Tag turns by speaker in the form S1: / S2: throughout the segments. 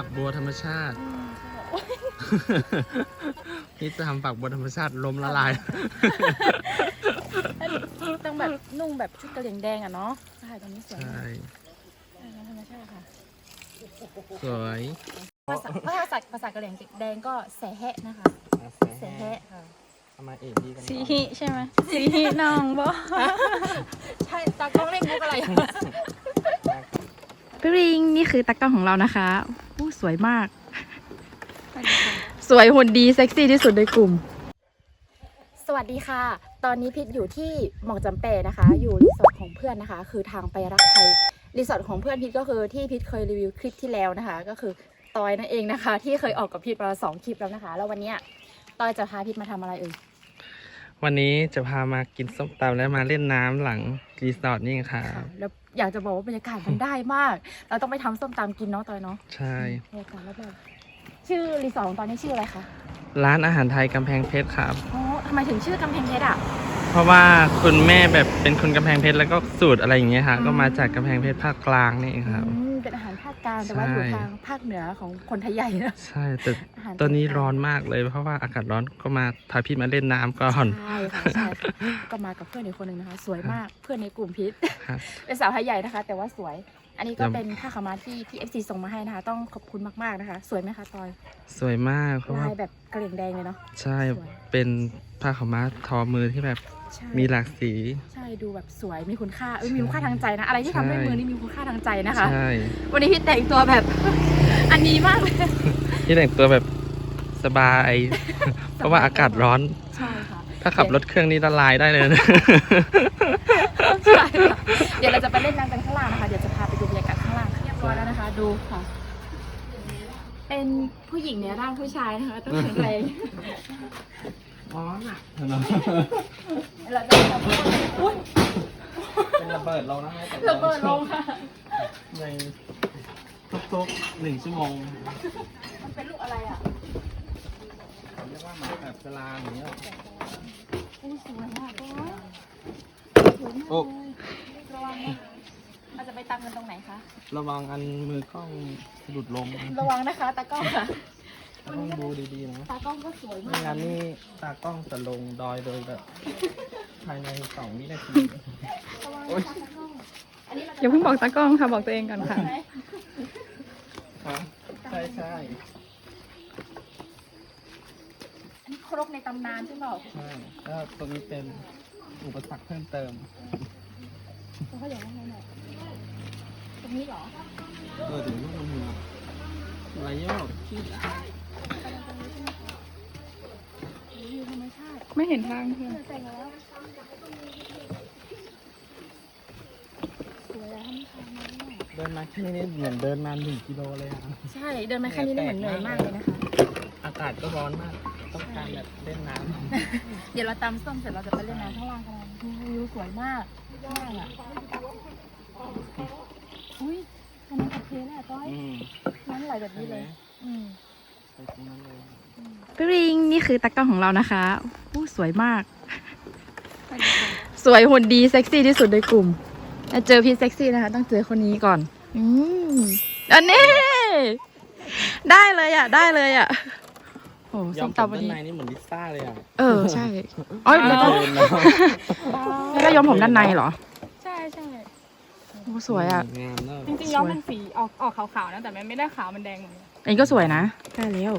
S1: ฝักบัวธรรมชาตินี่จะทำฝักบัวธรรมชาติล้มละลาย
S2: ต้องแบบนุ่งแบบชุดกระเหลี่ยงแดงอ่ะเนาะใช่ตรงนี้สวย
S1: ใช่
S2: ธรรมชาติค่ะ
S1: สวย
S2: ภาษากระเหลี่ยงแดงก็แสแหะนะคะแสแหะค่ะ
S1: ทำไมเอ็ดดีกัน
S3: สีหิใช่ไหมสีหิน้องบ่
S2: ใช่ตากล้องเล่นมุกอะไร
S3: พี่ริงนี่คือตากล้องของเรานะคะอู้สวยมาก สวยหุ่นดีเซ็กซี่ที่สุดในกลุ่ม
S2: สวัสดีค่ะ ตอนนี้พิษอยู่ที่หม่องจำเปนะคะ อยู่รีสอร์ทของเพื่อนนะคะ คือทางไปรักไทยรีสอร์ทของเพื่อนพิษก็คือที่พิษเคยรีวิวคลิปที่แล้วนะคะ ก็คือตอยนั่นเองนะคะ ที่เคยออกกับพิษมา2 คลิปแล้วนะคะ แล้ววันเนี้ยตอยจะพาพิษมาทำอะไรเอ่ย
S1: วันนี้จะพามากินส้มตำและมาเล่นน้ำหลังรีสอร์ทนี่ค่ะ
S2: แล้วอยากจะบอกว่าบรรยากาศมันได้มาก เราต้องไปทำส้มตำกินเนาะตอยเนาะ
S1: ใช่
S2: บรรยากาศรอบๆชื่อรีสอร์ทของตอนนี้ชื่ออะไรคะ
S1: ร้านอาหารไทยกำแพงเพชรครับ
S2: อ๋อทำไมถึงชื่อกำแพงเพชรอ่ะ
S1: เพราะว่าคุณแม่แบบเป็นคนกำแพงเพชรแล้วก็สูตรอะไรอย่างเงี้ยค่ะ ก็มาจากกำแพงเพชรภาคกลางนี่เองครับ
S2: เป็นอาหารภาคกลางแต่ว่าอยู่ทางภาคเหนือของคนไทยใหญ่นะ
S1: ใช่แต่
S2: อาหาร
S1: ตอนนี้ร้อนมากเลย เพราะว่าอากาศร้อนก็มาพาพี่มาเล่นน้ำก่อน
S2: ใช่ค่ะใช่ก็มากับเพื่อนอีกคนหนึ่งนะคะ สวยมากเพื่อนในกลุ่มพิษ
S1: ครับ
S2: เป็นสาวไทยใหญ่นะคะ แต่ว่าสวย อันนี้ก็
S1: ยัง
S2: เป็นผ้าขาวม้าที่พี่ FC ส่งมาให้นะคะ ต้องขอบคุณมากๆนะคะ สวยไหมคะตอย
S1: สวยมากเพราะ
S2: ลา
S1: ว่าย
S2: แบบกระเหลี่ยงแดงเลยเนาะ
S1: ใช่
S2: สวย
S1: เป็นผ้าขาวม้าทอมือที่แบบ
S2: ใช่
S1: มีหลากสี
S2: ใช่ดูแบบสวยมีคุณค่ามีคุณค่าทางใจนะ อะไรที่ทำด้วยมือนี่มีคุณค่าทางใจนะคะ
S1: ใช่
S2: วันนี้พี่แต่งตัวแบบ อันนี้มากเลย
S1: ที่แต่งตัวแบบสบาย เพราะว่าอากาศร้อน
S2: ใช่ค่ะ
S1: ถ้าขับรถเครื่องนี้ละลายได้เลยนะ
S2: ใช่ค่ะเดี๋ยวเราจะไปเล่นน้ำกันข้างล่างนะคะ เดี๋ยวจะพาไปดูบรรยากาศข้างล่างเรียบร้อยแล้วนะคะ ดูค่ะ เป็นผู้หญิงในร่างผู้ชายนะคะต้องแข็งแรง
S1: ร้อนอ่ะ
S2: เราจะทำอุ้ย
S1: เป็นระเบิดลงนะ
S2: ระเบิดลงค่ะ
S1: ในทุกๆ1 ชั่วโมง
S2: มันเป็นลูกอะไรอ่ะ
S1: เขาเรียกว่าหมาแบบสลามอย่างเงี้ย
S2: อุ้ยสวยมากเลยสวยมาก
S1: โอ้
S2: เลยระวังนะเราจะไปตามกันตรงไหนคะ
S1: ระวังอันมือกล้องหลุดลง
S2: ระวังนะคะตากล้องค่ะ
S1: ต้องดูดีๆนะ
S2: ตากล้องก็สวยมา
S1: ไม่
S2: ก
S1: งั้นนี่ตากล้องจะลงดอยโดยแบบภายใน2 วินาที
S2: ระวังนะคะตากล้องอันนี้เราจะ
S3: อย่าเพิ่งบอกตากล้องค่ะบอกตัวเองก่อนค่ะ
S2: ไหม
S1: ครับใช่ใช่
S2: อันนี้ครกในตำนานใช่เปล่า
S1: ใช่แล้วตัวนี้เป็นอุปสรรคเพิ่มเติม
S2: เขาอย่างไรหน่อยตรงนี้เหรอ
S1: ถึงลูกมืออะไรโยกขี้
S2: วิวธรรมชาติ
S3: ไม่เห็นทางเพื่อน
S2: แต่งแล้วสวยแล้วทำทางนี้
S1: เดินมาแค่นี้เหมือนเดินมา1 กิโลเลยอ่ะ
S2: ใช่เดินมาแค่นี้ได้เหมือนเหนื่อยมากเลยนะคะ
S1: อากาศก็ร้อนมาก ต้องการแบบเล่นน้
S2: เดี๋ยวเราตำส้มเสร็จเราจะไปเล่นน้ำข้างล่างกันวิวสวยมากมากอ่ะอุ้ยตรงนั้นโอเคเลยอ่ะต้อย
S1: ำ
S2: น้ำไหลแบบนี้เลย
S1: ไปตรงนั้นเลย
S3: พี่ริงนี่คือตากล้องของเรานะคะอู้สวยมาก สวยหุ่นดีเซ็กซี่ที่สุดในกลุ่มเจอพี่เซ็กซี่นะคะ ต้องเจอคนนี้ก่อนอันนี้ได้เลยอ่ะได้เลยอ่ะโอ้
S1: ย
S3: ส้
S1: อม
S3: ม
S1: ผม
S3: ตำวัน
S1: ด้าน
S3: นี้
S1: ในนี่เหมือนลิซ่าเลยอ่ะ
S3: ใช่อ๋อแล้วก็
S1: เดินแล้ว
S3: แล้วก็ย้อมผมด้านในเหรอ
S4: ใช่ใช่
S3: โอ้สวยอ่ะ
S1: งามเนอะ
S4: จริงๆย้อมมันสีออกขาวๆนะ แต่มันไม่ได้ขาวมันแดงเหมือนกัน
S3: อันนี้ก็สวยนะได้แล้ว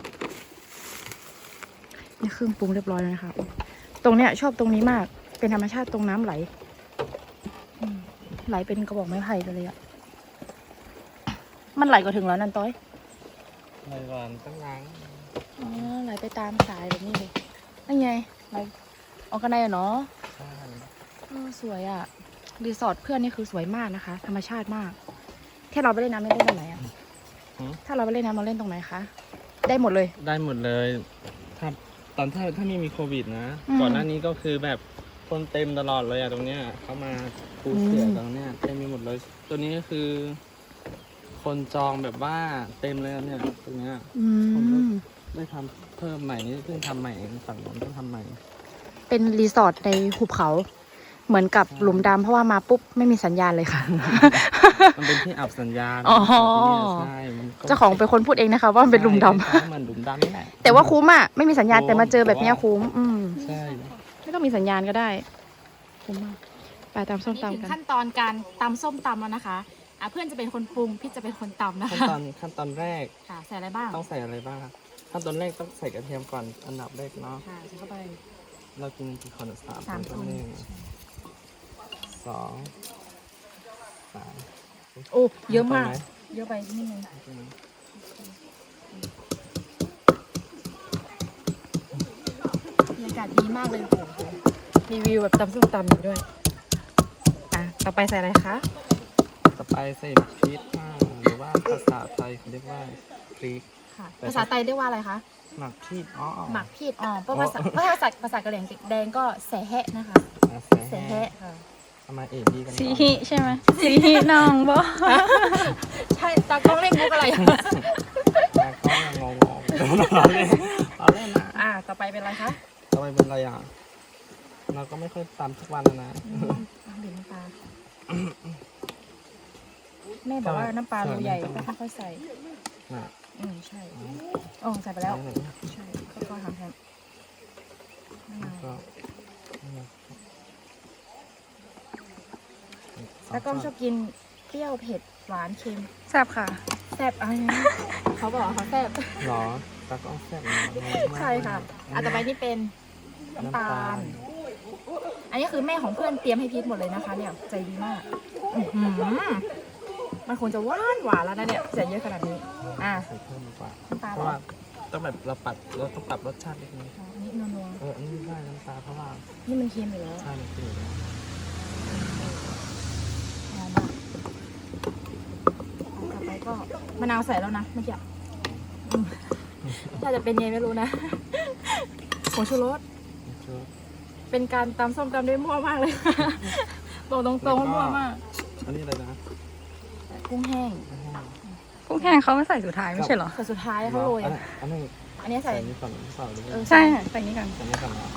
S3: นี่เครื่องปรุงเรียบร้อยแล้วนะคะตรงเนี้ยชอบตรงนี้มากเป็นธรรมชาติตรงน้ำไหลไหลเป็นกระบอกไม้ไผ่ไปเลยอ่ะมันไหลก็ถึงแล้วนั่นต้อย
S1: ในวันตั้งล้าง
S2: อ๋อไหลไปตามสายแบบนี้เลยนั่นไงไหลออกกันได้อะเนาะ
S1: ใช่
S2: สวยอ่ะรีสอร์ทเพื่อนนี่คือสวยมากนะคะ ธรรมชาติมากถ้าเราไปเล่นน้ำเล่นตรงไหนอ่ะถ้าเราไปเล่นน้ำเราเล่นตรงไหนคะได้หมดเลย
S1: ได้หมดเลย ถ้าถ้าไม่มีโควิดนะ
S2: อืม
S1: ก่อนหน้านี้ก็คือแบบคนเต็มตลอดเลยอะตรงเนี้ยเขามาปูเสือตรงเนี้ยเต็มไปหมดเลย ตัวนี้ก็คือ คนจองแบบว่าเต็มเลยอะเนี่ยตรงเนี้ย ได้ทำเพิ่มใหม่นี่เพิ่งทำใหม่เองฝั่งนู้นเพิ่งทำใหม่
S2: เป็นรีสอร์ทในหุบเขา
S3: เหมือนกับหลุมดำเพราะว่ามาปุ๊บไม่มีสัญญาณเลยค่ะ
S1: มันเป็นที่อับสัญญาณ
S3: อ๋อ
S1: ใช่มันก็
S3: เจ้าของเป็นคนพูดเองนะคะ ว่ามันเป็นหลุมดำ
S1: ใช่เหมือนหลุมดำนี่แหละ
S3: แต่ว่าคุ้มอ่ะไม่มีสัญญาณแต่มาเจอแบบเนี้ยคุ้ม
S1: ใช่
S3: ไม่ต้องมีสัญญาณก็ได้คุ้มมากไปตามส้ม
S2: นี่
S3: ตำ
S2: ถึง
S3: กัน
S2: ขั้นตอนการตำส้มตำแล้วนะคะเพื่อนจะเป็นคนปรุงพี่จะเป็นคนตำนะ
S1: ขั้น
S2: คะ
S1: ตอนแรก
S2: ค่ะใส่อะไรบ้าง
S1: ต้องใส่อะไรบ้างครับขั้นตอนแรกต้องใส่กระเทียมก่อนอันดับแรกเนาะ
S2: ค่ะใส่เข้าไป
S1: เรากินกี่คนสาม
S2: 3 คน
S1: หนึ่งสองสาม
S2: โอ้เยอะมาก
S1: ไปไห
S2: เยอะไปนิดนึงบรรยากาศดีมากเลยโอ้โหมีวิวแบบตำส้มตำอยู่ด้วยต่อไปใส่อะไรคะ
S1: ต่อไปใส่หมักพริกหรือว่าภาษาไทยเขาเรียกว่าพริก
S2: ค่ะภาษาไทยเรียกว่าอะไรคะ
S1: หมักพริก
S2: หมักพีดเพราะภาษากะเหรี่ยงแดงก็แสแฮะนะคะแสแฮะค่ะ
S1: เอามาเอ็ดดีกัน
S3: สีหิใช่ไหมสีหิน้องบ่
S2: ใช่ตากล้องเล่นมุกอะไร
S1: แล้วก็ยังงงๆเราเล่นนะ
S2: ต่อไปเป็นอะไรคะ
S1: ทำไมเป็นอะไรอ่ะเราก็ไม่ค่อยตำทุกวันนะ
S2: บีบน้ำปลาแม่บอกว่าน้ำปลารูใหญ่ก็ค่อยๆใส่
S1: น่ะ
S2: ใช่ใส่ไปแล้วใช่ค่อยๆทำแทน แล้วก็ชอบกินเปรี้ยวเผ็ดหวานเค็ม
S3: แซ่บค่ะ
S2: แซ่บอะไรนะเขาบอกเขาแซ่บ
S1: หรอตาก็แซ่บ
S2: ใช่ค่ะต่อไปนี่เป็นน้ำตาล อันนี้คือแม่ของเพื่อนเตรียมให้พีทหมดเลยนะคะ เนี่ยใจดีมากมันคงจะหวานแล้วนะเนี่ยใส่เยอะขนาดนี้
S1: ใส่เพิ่มดีกว่า
S2: น้ำตาล
S1: เพราะว่าต้องแบบเราต้องปรับรสชาตินิดนึง
S2: อันนี้นัว
S1: อันนี้ได้น้ำตาเพราะว่า
S2: ๆนี่มันเค็มอยู่แล้ว
S1: ใช่มันคือ
S2: หอมมากต่อไปก็มะนาวใส่แล้วนะเมื่อกี้ถ้าจะเป็นไงไม่รู้นะผงชูรสเป็นการตำส้มตำได้มั่วมากเลยบอกตรงๆว่ามั่วมาก
S1: อันนี้อะไรนะ
S2: กุ้งแห้ง
S3: กุ้งแห้งเขาไม่ใส่สุดท้ายไม่ใช่เหรอ
S2: แต่สุดท้ายเขาโรย
S1: อันนี้
S2: อันนี้
S1: ใส่
S2: ใส่
S1: นี่ก่อนเปล่าหรือว่า
S3: ใช่ใส่นี้กัน
S1: ใส่นี่ก่อนนะ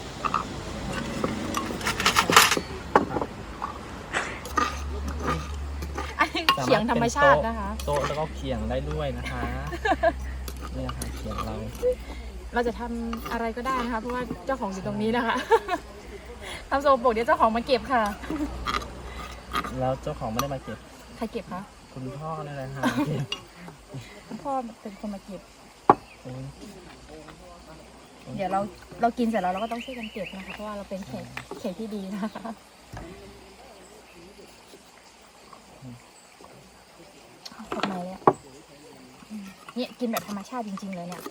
S2: อันนี้เขียงธรรมชาตินะคะ
S1: โต๊ะแล้วก็เขียงได้ด้วยนะคะเนี่ยค่ะเขียงเรา
S2: เราจะทำอะไรก็ได้นะคะเพราะว่าเจ้าของอยู่ตรงนี้นะคะทำโซโปรกเดี๋ยวเจ้าของมาเก็บค่ะ
S1: แล้วเจ้าของไม่ได้มาเก็บ
S2: ใครเก็บคะ
S1: คุณพ่อนี่แหละค่ะ
S2: พ่อเป็นคนมาเก็บ เดี๋ยวเรากินเสร็จแล้วเราก็ต้องช่วยกันเก็บนะคะเพราะว่าเราเป็นแขกที่ดีนะคะขอบคุณเลยเนี่ยกินแบบธรรมชาติจริงๆเลยเนี่ย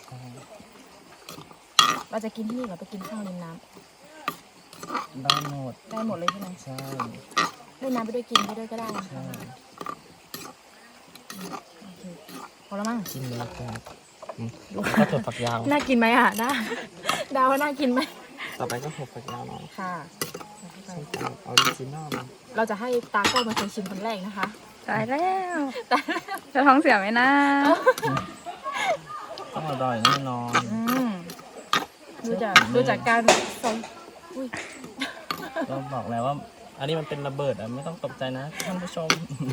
S2: เราจะกินที่นี่หรือไปกินข้างริมน้ำ
S1: ได้หมด
S2: ได้หมดเลยใช่ไหม
S1: ใช่
S2: เล่นน้ำไปด้วยกินไปด้วยก็ได้นะ
S1: ใช่
S2: คะโอเคพอแล้วมั้ง
S1: กินเลยครับก็ถั่วฝักยาว
S2: น่ากินไหมอ่ะน่าดาวว่าน่ากินไหม
S1: ต่อไปก็ถั่วฝักยาวเนาะ
S2: ค่ะ
S1: ส้มตำออริจินอล
S2: เราจะให้ตากล้องเป็นคนชิมคนแรกนะคะ
S3: ตายแล้วจะท้องเสียไหมนะ
S1: ต้องอร่อยแน่นอน
S2: ดูจากการใส่อุ้ย
S1: ก็บอกแล้วว่า อันนี้มันเป็นระเบิดไม่ต้องตกใจนะท่านผู้ชม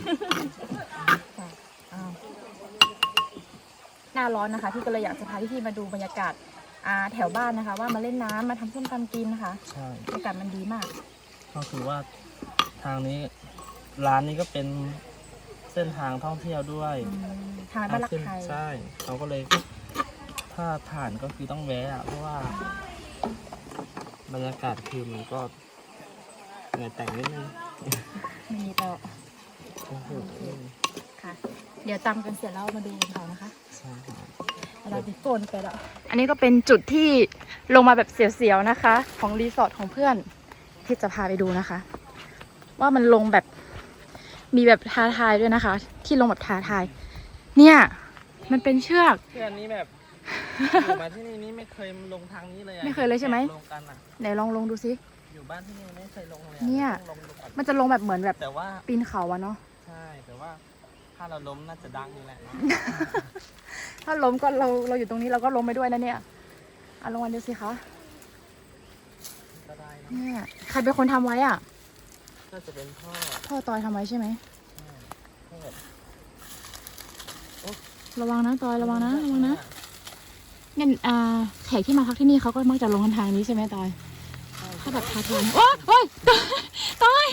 S2: หน้าร้อนนะคะพี่ก็เลยอยากจะพาพี่ๆมาดูบรรยากาศแถวบ้านนะคะ ว่ามาเล่นน้ำมาทำส้มตำกินนะคะ
S1: ใช่
S2: บรรยากาศมันดีมาก
S1: ก็คือว่าทางนี้ร้านนี้ก็เป็นเส้นทางท่องเที่ยวด้วย
S2: ทางบ้านรักไทย
S1: ใช่เขาก็เลยถ้าผ่านก็คือต้องแวะเพราะว่า บรรยากาศคือมันก็เหนื่อยแต่งนิดนึง
S2: ไม่มีต่อ
S1: โอ้โห
S2: ค่ะ เดี๋ยวตำกันเสร็จแล้วมาดูกันต่อนะคะ
S1: ใช่ครับ
S2: เราติดโกนไปแล้ว
S3: อันนี้ก็เป็นจุดที่ลงมาแบบเสียวๆนะคะ ของรีสอร์ทของเพื่อนที่จะพาไปดูนะคะ ว่ามันลงแบบมีแบบท้าทายด้วยนะคะ ที่ลงแบบท้าทาย เนี่ยมันเป็นเชือก
S1: เพื่อนนี้แบบอยู่มาที่นี่ไม่เคยลงทางนี้เลย
S3: ไม่เคยเลยใช่ไหม
S1: ลงกันอ่ะ
S3: ไหนลงดูซิ
S1: อยู่บ้านที่นี่ไม่เคยลงเลย
S3: เนี่ย
S1: ต้องลงดูก่อน
S3: มันจะลงแบบเหมือนแบบ
S1: แต่ว่า
S3: ปีนเขาอะเนาะ
S1: ใช่แต่ว่าถ้าเราล้มน่าจะดังนี่แหละเนาะ
S3: ถ้าล้มก็เราอยู่ตรงนี้เราก็ล้มไปด้วยนะเนี่ยเอาลงมาดูสิคะ
S1: ก็ได้น
S3: เนี่ยใครเป็นคนทำไว้อ่ะ
S1: น่าจะเป็นพ่อ
S3: พ่อตอยทำไว้ใช่ไหม
S1: พ่อแบบ
S3: ระวังนะตอยระวังนะระวังนะเนี่ยแขกที่มาพักที่นี่เขาก็มักจะลงทางนี้ใช่ไหมตอยถ้าแบบพาทัวร์โอ๊ยตอย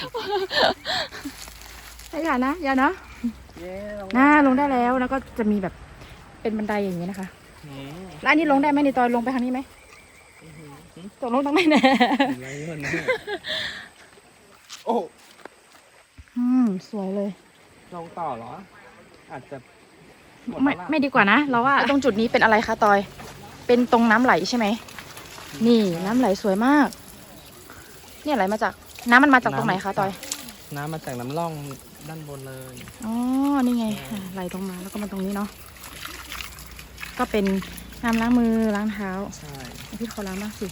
S3: อย่านะอย่านะ
S1: เย้ลง
S3: ลงได้แล้วแล้วก็จะมีแบบเป็นบันไดอย่างนี้นะคะ
S1: อืม
S3: แล้วอันนี้ลงได้ไหมในตอยลงไปทางนี้ไหมตกลงต้องไม่แน่
S1: อะไรวะเนี่ยโอ้
S3: สวยเลย
S1: ลงต่อเหรอ อาจจะหมด
S3: ไม่
S1: แล้วล่ะ
S3: ไม่ดีกว่านะเราว่าตรงจุดนี้เป็นอะไรคะตอย เป็นตรงน้ำไหลใช่ไหมนี่น้ำไหลสวยมาก เนี่ยไหลมาจากน้ำมันมาจากตรงไหนคะตอย
S1: น้ำมาจากน้ำร่องด้านบนเลย
S3: อ๋อ นี่ไงไหลตรงมาแล้วก็มาตรงนี้เนาะ ก็เป็นน้ำล้างมือล้างเท้า
S1: ใช่
S3: พี่ขอล้างบ้างสิ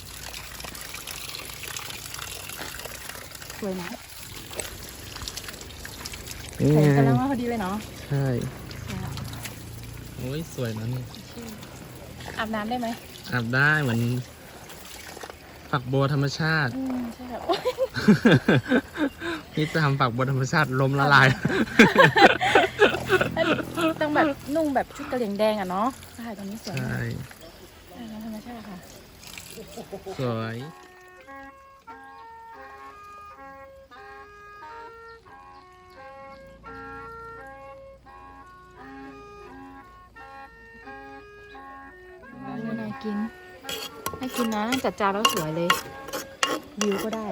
S3: สวยนะ
S1: นี่
S3: ใส่
S1: ไง
S3: กระล้างมาพอดีเลยเนาะ
S1: ใช่โอ้ยสวยนะนี่
S3: อาบน้ำได้ไหม
S1: อาบได้เหมือนฝักบัวธรรมชาติ
S3: ใช่ค่ะ
S1: นี่จะทำฝักบัวธรรมชาติลมละลาย
S3: ต้องแบบนุ่งแบบชุดกระเหลี่ยงแดงอ่ะเนาะใช่ตรงนี้สวย
S1: ใช่
S3: มากธรรมชาติค่ะ
S1: สวย
S3: น่ากินน่ากินนะจัดจานแล้วสวยเลย วิวก็ได้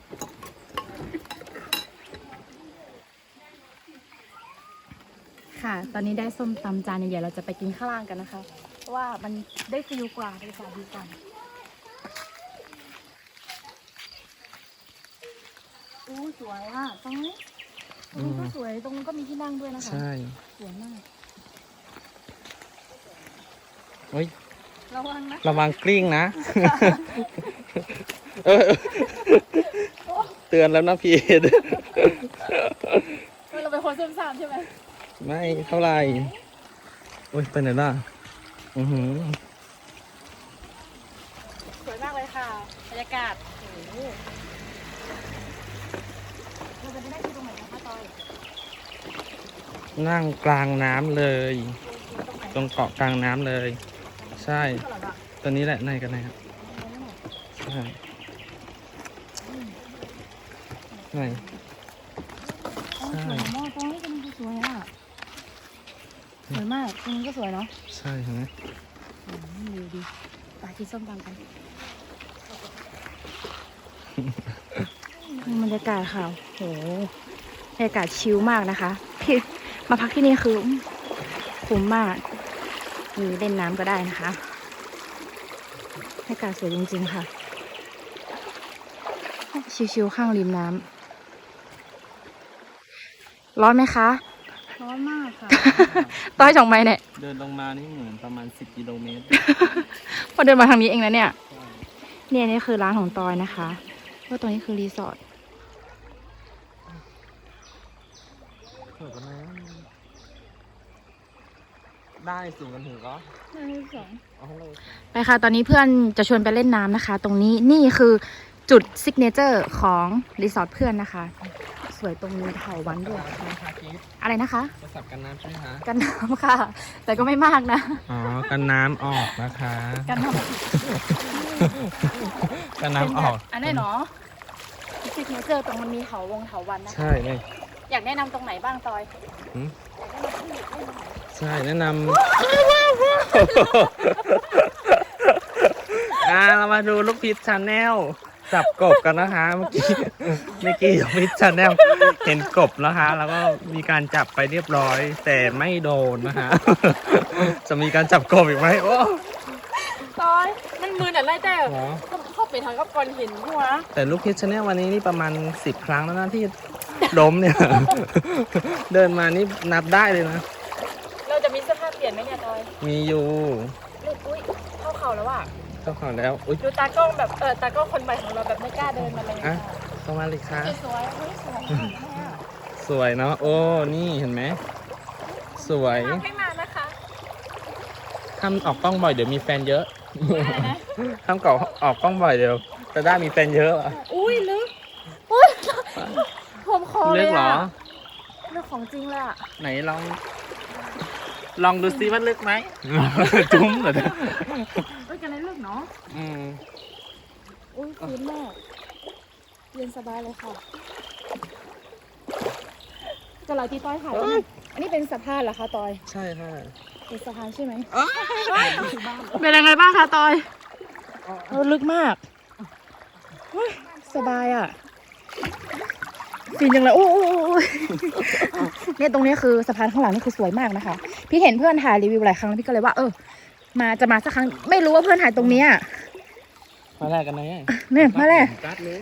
S3: ค่ะ ตอนนี้ได้ส้มตำจานใหญ่ๆเราจะไปกินข้างล่างกันนะคะ เพราะว่ามันได้ฟิลกว่าบรรยากาศดีกว่าอู้สวยอ่ะตรงนี้ก็สวย ตรงนู้นก็มีที่นั่งด้วยนะคะ
S1: ใช่
S3: สวยมาก
S1: โอ้ย
S3: ระวังนะ
S1: ระวังกลิ้งนะ เออเตือนแล้วนะพี่
S3: เราเป็นคนซุ่มซ่ามใช่ไหม
S1: ไม่เท่าไหร่โอ้ยไปไหนล่ะ อือหือ
S3: สวยมากเลยค่ะ บรรยากาศโอ้โหเราจะไปได้ที่ตรงไหนนะคะตอย
S1: นั่งกลางน้ำเลย ตรงเกาะกลางน้ำเลย ใช่ตัวนี้แหละในกันนะครับใช่ไหน
S3: อ๋อสวยมากตรงนี้ตรงนี้ก็สวยอ่ะ สวยมากตรงนี้ก็สวยเนาะ
S1: ใช่เห็นไหม
S3: ดีดีไปกินส้มตำกันบรรยากาศค่ะโหบรรยากาศชิลมากนะคะที่มาพักที่นี่คือคุ้มมากมีเล่นน้ำก็ได้นะคะบรรยากาศสวยจริงๆค่ะชิลๆข้างริมน้ำร้อนไหมคะ
S4: ร้อนมากค่ะ
S3: ต้อยจ่องไม้เนี่ย
S1: เดินลงมานี่เหมือนประมาณ10 กิโลเมตร
S3: พอเดินมาทางนี้เองนะเนี่ย เนี่ยนี่คือร้านของตอยนะคะว่าตรงนี้คือรีสอร์ท
S1: สวยกันนะได้สูงกันถึงก็ เอาเลย
S3: ไปค่ะ ตอนนี้เพื่อนจะชวนไปเล่นน้ำนะคะ ตรงนี้นี่คือจุดซิกเนเจอร์ของรีสอร์ทเพื่อนนะคะ สวยตรงนี้เถาวัลย์ด้วย
S1: ใช่ไหมคะกิ๊ฟ
S3: อะไรนะคะ
S1: โทรศัพท์กันน้ำใช่ไหมคะ
S3: กันน้ำค่ะ แต่ก็ไม่มากนะ
S1: อ๋อ กันน้ำออกนะคะ
S3: กันน้
S1: กัน
S3: ำ
S1: น้ำออก
S3: อันนี้เนาะซิกเนเจอร์ตรงมันมีเถาวัลย์นะคะ
S1: ใช่เลย
S3: อยากแนะนำตรงไหนบ้างตอย
S1: ใช่แนะนำ เรามาดูลูกพิษชาแนลจับกบกันนะคะ เมื่อกี้ลูกพิษชาแนลเห็นกบนะคะ แล้วก็มีการจับไปเรียบร้อย แต่ไม่โดนนะคะ จะมีการจับกบอีกไหมโอ้
S3: ตอยมันมือหน่ะไรแต่
S1: โห
S3: เข้าไปทางกับก้อนหินหัว
S1: แต่ลูกพิษชาแนลวันนี้นี่ประมาณ10 ครั้งแล้วนะที่ล้มเนี่ย เดินมานี่นับได้เลยนะ
S3: เราจะมีเสื้อผ้าเปลี่ยนไหมเนี่ยตอย
S1: มีอยู่
S3: อุ้ยเข้าเข่าแล้วอ่ะ
S1: เจ้าของแล้วอุ๊ย
S3: ดูตากล้องแบบตากล้องคนใหม่ของเราแบบไม่กล้าเดินมาเลย
S1: อ่ะเข้ามาเลยค่ะ
S3: สวยเฮ้ยสวยมากเลยอะ
S1: สวยเนาะโอ้นี่เห็นไหมสวย
S3: ทำให้มานะคะ
S1: ทำออกกล้องบ่อยเดี๋ยวมีแฟนเยอะ
S3: อะไรนะ
S1: ทำเก่าออกกล้องบ่อยเดี๋ยวแต่ด้ามีแฟนเยอะอะ
S2: อุ้ยลึกผมคอเล
S1: ลึ
S2: ย
S1: กเหรอ
S2: อะเรื่องของจริงเลยอะ
S1: ไหนลองดูซิว่าลึกไหม จุ้มเหรอ
S2: เอ้ยกันเลยลึกเนาะ
S1: อืม
S2: อุ้ยฟินมากเย็นสบายเลยค่ะจะเราที่ต้อยถ่ายรูปอันนี้เป็นสะพานเหรอคะตอย
S1: ใช่ค่ะ
S2: เป็นสะพานใช่ไหม
S3: เป็นยังไงบ้างคะตอย
S2: ลึกมากเฮ้ยสบายอ่ะฟินจังเลยโอ้ยเนี่ยตรงนี้คือสะพานข้างหลังนี่คือสวยมากนะคะ พี่เห็นเพื่อนถ่ายรีวิวหลายครั้งแล้วพี่ก็เลยว่าจะมาสักครั้งไม่รู้ว่าเพื่อนถ่ายตรงเนี้ย
S1: มาแรกกันไหน
S2: เนี่ยมาเลย
S1: กัดเลย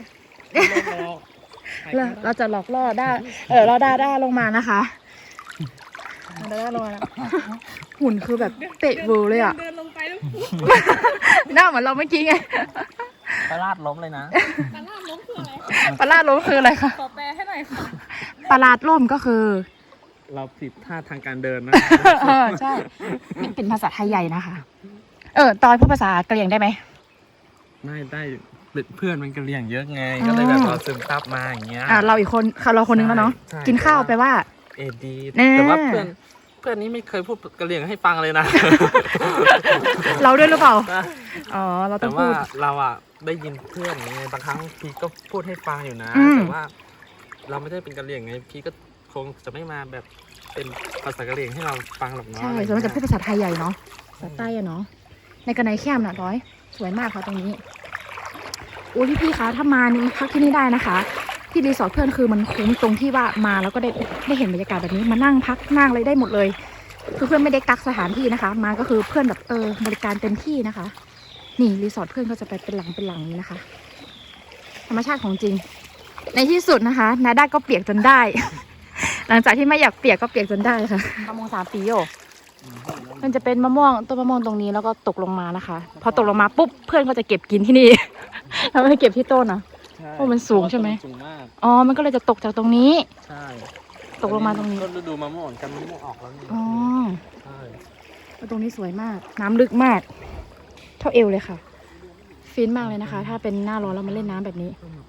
S2: เราจะหลอกล่อด้าล่อด้าลงมานะคะด้าลงมาแล้วหุ่นคือแบบเตะเวอร์เลยอ่ะ
S4: เดินลงไปแล้ว
S2: หน้าเหมือนเราเมื่อกี้ไง
S1: ปลาลาดล้มเลยนะ
S4: ปลาล่ามล้มคืออะไร
S2: ปลาลาดล้มคืออะไรคะ
S4: ขอแปลให้หน่อยค่ะ
S2: ปลาลาดล้มก็คือ
S1: เราผิดท่าทางการเดินนะ
S2: ใช่เป็นภาษาไทยใหญ่นะคะตอยพูดภาษากะเหรี่ยงได้ไหม
S1: ไม่ได้เพื่อนมันกระเลียงเยอะไง ก็เลยแบบเราซึมซับมาอย่างเงี้ย
S2: เราอีกคนเราคนนึงแล้วเนาะ
S1: ใช่
S2: กินข้าวไปว่า
S1: ดี
S2: แน่
S1: แต่ว่าเพื่อนนี้ไม่เคยพูดกระเลียงให้ฟังเลยนะ
S2: เราด้วยหรือเปล่าอ๋อเราต้
S1: แต่
S2: อง
S1: ว่า
S2: พูด
S1: เราอ่ะได้ยินเพื่อนไงบางครั้งพี่ก็พูดให้ฟังอยู่นะ
S2: อืม
S1: แต่ว่าเราไม่ได้เป็นกระเลียงไงพี่ก็คงจะไม่มาแบบเป็นภาษากระเลียงให้เราฟังหรอกเนาะ
S2: ใช่ส่วนมากจะพูดภาษาไทยใหญ่เนาะภาษาใต้อะเนาะในกระไนแคมน่ะร้อยสวยมากค่ะตรงนี้อุ้ยพี่คะถ้ามานี่พักที่นี่ได้นะคะ ที่รีสอร์ทเพื่อนคือมันคุ้มตรงที่ว่ามาแล้วก็ได้เห็นบรรยากาศแบบนี้มานั่งพักนั่งอะไรได้หมดเลยคือเพื่อนไม่ได้กักสถานที่นะคะ มาก็คือเพื่อนแบบบริการเต็มที่นะคะ นี่รีสอร์ทเพื่อนก็จะไปเป็นหลังนี้นะคะ ธรรมชาติของจริง ในที่สุดนะคะนาด้าก็เปียกจนได้ หลังจากที่ไม่อยากเปียกก็เปียกจนได้ค่ะมะม่วง3 ปีโยมันจะเป็นมะม่วงต้นมะม่วงตรงนี้แล้วก็ตกลงมานะคะ พอตกลงมาปุ๊บเพื่อนก็จะเก็บกินที่นี่ แล้วไม่ได้เก็บที่ต้นนะ
S1: ใช่
S2: โอ้มันสูงใช่ไหม
S1: สูงมาก
S2: อ๋อมันก็เลยจะตกจากตรงนี้
S1: ใช่
S2: ตกลงมาตรงนี้
S1: ก็ฤดูมะม่วงกันมะม่วงออกแล้วนี่
S2: อ๋อ
S1: ใช่
S2: แล้วตรงนี้สวยมาก น้ำลึกมาก เท่าเอวเลยค่ะ ฟินมากเลยนะคะ ถ้าเป็นหน้าร้อนเรามาเล่นน้ำแบบนี้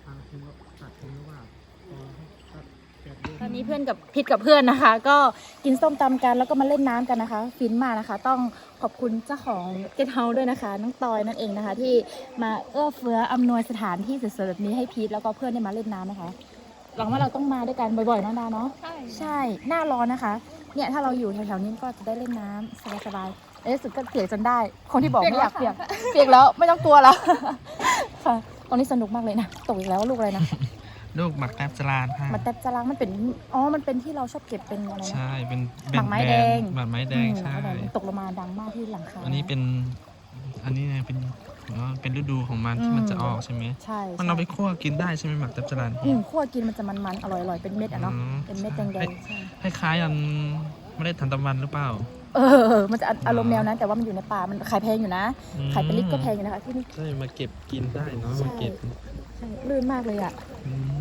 S2: ตอนนี้เพื่อนกับพิษกับเพื่อนนะคะ ก็กินส้มตำกันแล้วก็มาเล่นน้ำกันนะคะ ฟินมากนะคะ ต้องขอบคุณเจ้าของเกสต์เฮาส์ด้วยนะคะน้องตอยนั่นเองนะคะ ที่มาเอื้อเฟื้ออำนวยสถานที่สวยๆแบบนี้ให้พีทแล้วก็เพื่อนได้มาเล่นน้ำนะคะหวังว่าเราต้องมาด้วยกันบ่อยๆนะดาเนาะ
S4: ใช่
S2: ใช่หน้าร้อนนะคะ เนี่ยถ้าเราอยู่แถวๆนี้ก็จะได้เล่นน้ำสบายๆในที่สุดก็เปียกจนได้ คนที่บอกไม่อยากเปียกเปียกแล้วไม่ต้องกลัวแล้ว ค่ะตอนนี้สนุกมากเลยนะตกอีกแล้วลูกอะไรนะ
S1: ลูกหมักแทบจรานค่ะ
S2: มันแต่จรังมันเป็นมันเป็นที่เราชอบเก็บเป็นอะไรนะ
S1: ใช่เป็น
S2: หมากไม้แดง
S1: หมากไม้แดงใช่
S2: ตกลงมาดังมากที่หลังคา
S1: อันนี้ไงเป็นฤดูของมันที่มันจะออกใช่ไหม
S2: ใช่
S1: มันเอาไปคั่วกินได้ใช่ไหมหมักแทบจราน
S2: คั่วกินมันจะมันๆอร่อยๆเป็นเม็ดอะเนาะเป็นเม็ดแดงๆใช่
S1: คล้ายๆอันไม่ได้ทันตะวันหรือเปล่า
S2: มันจะอารมณ์แนวนั้นแต่ว่ามันอยู่ในป่ามันขายแพงอยู่นะขายเป็นลิตรก็แพงอยู่นะคะที่นี่
S1: ใช่มาเก็บกินได้เนาะ
S2: ใช่
S1: มาเก็บ
S2: ใช่ลื่นมากเลยอะ
S1: อืม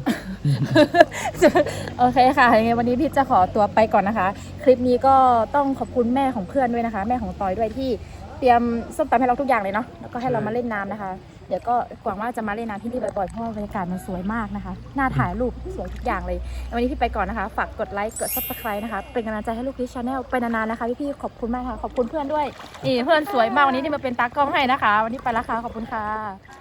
S2: โอเคค่ะยังไงวันนี้พี่จะขอตัวไปก่อนนะคะ คลิปนี้ก็ต้องขอบคุณแม่ของเพื่อนด้วยนะคะ แม่ของตอยด้วยที่เตรียมส้มตำให้เราทุกอย่างเลยเนาะแล้วก็ให้เรามาเล่นน้ำนะคะ เดี๋ยวก็หวังว่าจะมาเล่นน้ำที่นี่บ่อยๆเพราะว่าบรรยากาศมันสวยมากนะคะน่าถ่ายรูปสวยทุกอย่างเลยวันนี้พี่ไปก่อนนะคะฝากกดไลค์กด Subscribe นะคะเป็นกำลังใจให้ลูกพีชชาแนลไปนานๆนะคะพี่ๆขอบคุณมากค่ะขอบคุณเพื่อนด้วยนี่เพื่อนสวยมากวันนี้ที่มาเป็นตากล้องให้นะคะ วันนี้ไปแล้วค่ะขอบคุณค่ะ